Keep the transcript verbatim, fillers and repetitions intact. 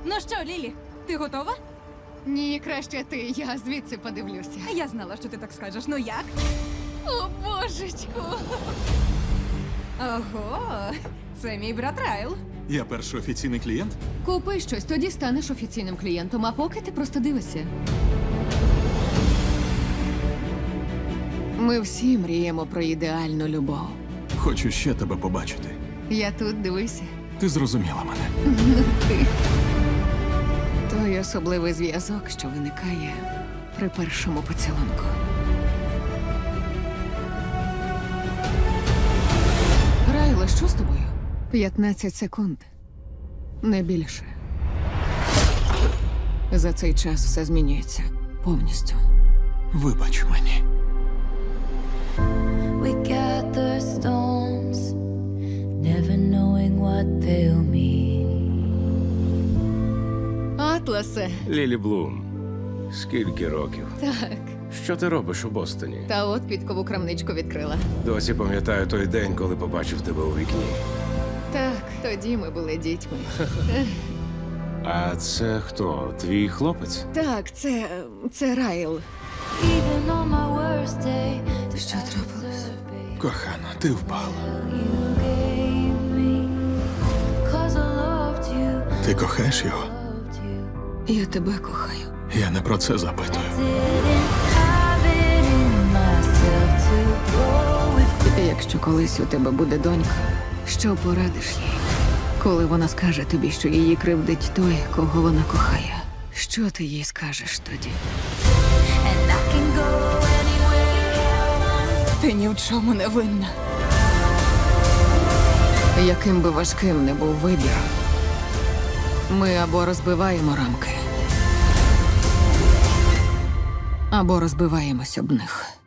Ну що, Лілі, ти готова? Ні, краще ти, я звідси подивлюся. Я знала, що ти так скажеш. Ну як? О, божечку! Ого, це мій брат Райл. Я перший офіційний клієнт. Купи щось, тоді станеш офіційним клієнтом, а поки ти просто дивишся. Ми всі мріємо про ідеальну любов. Хочу ще тебе побачити. Я тут, дивися. Ти зрозуміла мене. Ну ти. Той особливий зв'язок, що виникає при першому поцілунку. Райле, що з тобою? п'ятнадцять секунд. Не більше. За цей час все змінюється повністю. Вибач мені. We gather storms, never knowing what they'll mean. Атласе. Лілі Блум, скільки років? Так. Що ти робиш у Бостоні? Та от підкову крамничку відкрила. Досі пам'ятаю той день, коли побачив тебе у вікні. Так, тоді ми були дітьми. А це хто? Твій хлопець? Так, це. це Райл. Even on my worst day, the Що трапилось? Кохана, ти впала. you gave me. Cause I loved you, Ти кохаєш його? loved you. Я тебе кохаю. Я не про це запитую. Didn't have it in myself to go with. Якщо колись у тебе буде донька, що порадиш їй? Коли вона скаже тобі, що її кривдить той, кого вона кохає, що ти їй скажеш тоді? And I can go anywhere. Ти ні в чому не винна. Яким би важким не був вибір, ми або розбиваємо рамки, або розбиваємось об них.